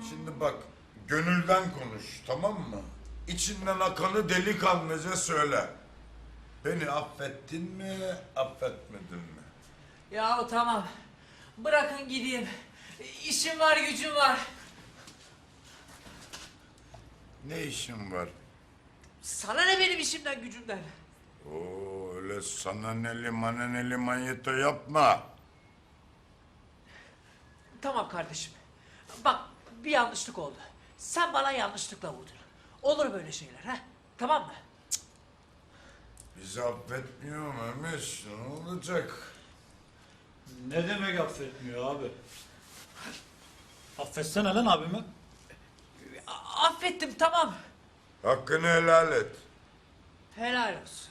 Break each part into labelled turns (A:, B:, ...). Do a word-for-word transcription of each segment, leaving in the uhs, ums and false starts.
A: Şimdi bak, gönülden konuş, tamam mı? İçinden akanı delikanlıca söyle. Beni affettin mi, affetmedin mi?
B: Ya tamam. Bırakın gideyim. İşim var, gücüm var.
A: Ne işin var?
B: Sana ne benim işimden, gücümden?
A: Oo, öyle sana neli maneneli manyeto yapma.
B: Tamam kardeşim. Bak, bir yanlışlık oldu. Sen bana yanlışlıkla vurdun. Olur böyle şeyler, ha? Tamam mı?
A: Bizi affetmiyor Mehmet, ne olacak?
C: Ne demek affetmiyor abi? Affetsene lan abimi.
B: A- affettim, tamam.
A: Hakkını helal et.
B: Helal olsun.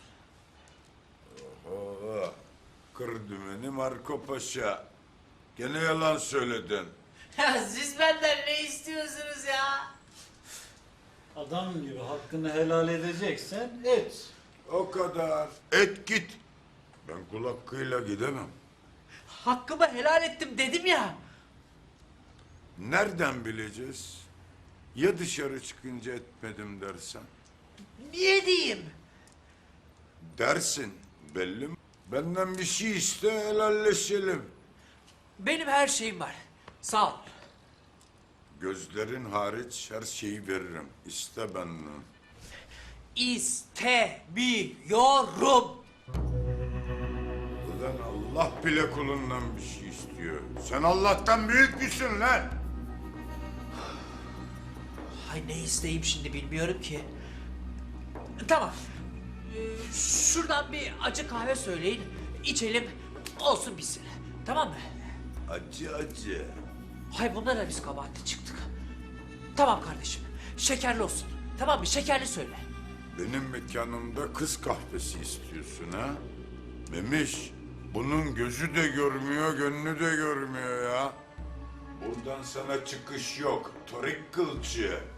A: Oo, kır dümeni Marco Paşa. Gene yalan söyledin.
B: Ya siz benden ne istiyorsunuz ya?
C: Adam gibi hakkını helal edeceksen et.
A: O kadar. Et git. Ben kul hakkıyla gidemem.
B: Hakkımı helal ettim dedim ya.
A: Nereden bileceğiz? Ya dışarı çıkınca etmedim dersen?
B: Niye diyeyim?
A: Dersin, belli mi? Benden bir şey iste, helalleşelim.
B: Benim her şeyim var. Sağ ol.
A: Gözlerin hariç her şeyi veririm. İste benden.
B: İstemiyorum.
A: Ulan Allah bile kulundan bir şey istiyor. Sen Allah'tan büyük müsün lan?
B: Hay ne isteyeyim şimdi bilmiyorum ki. Tamam. Ee, şuradan bir acı kahve söyleyin. İçelim. Olsun bitsin. Tamam mı?
A: Acı acı.
B: Hay bunda da biz kabahatli çıktık. Tamam kardeşim. Şekerli olsun. Tamam mı? Şekerli söyle.
A: Benim mekanımda kız kahvesi istiyorsun ha? Memiş, bunun gözü de görmüyor, gönlü de görmüyor ya. Buradan sana çıkış yok, torik kılçı.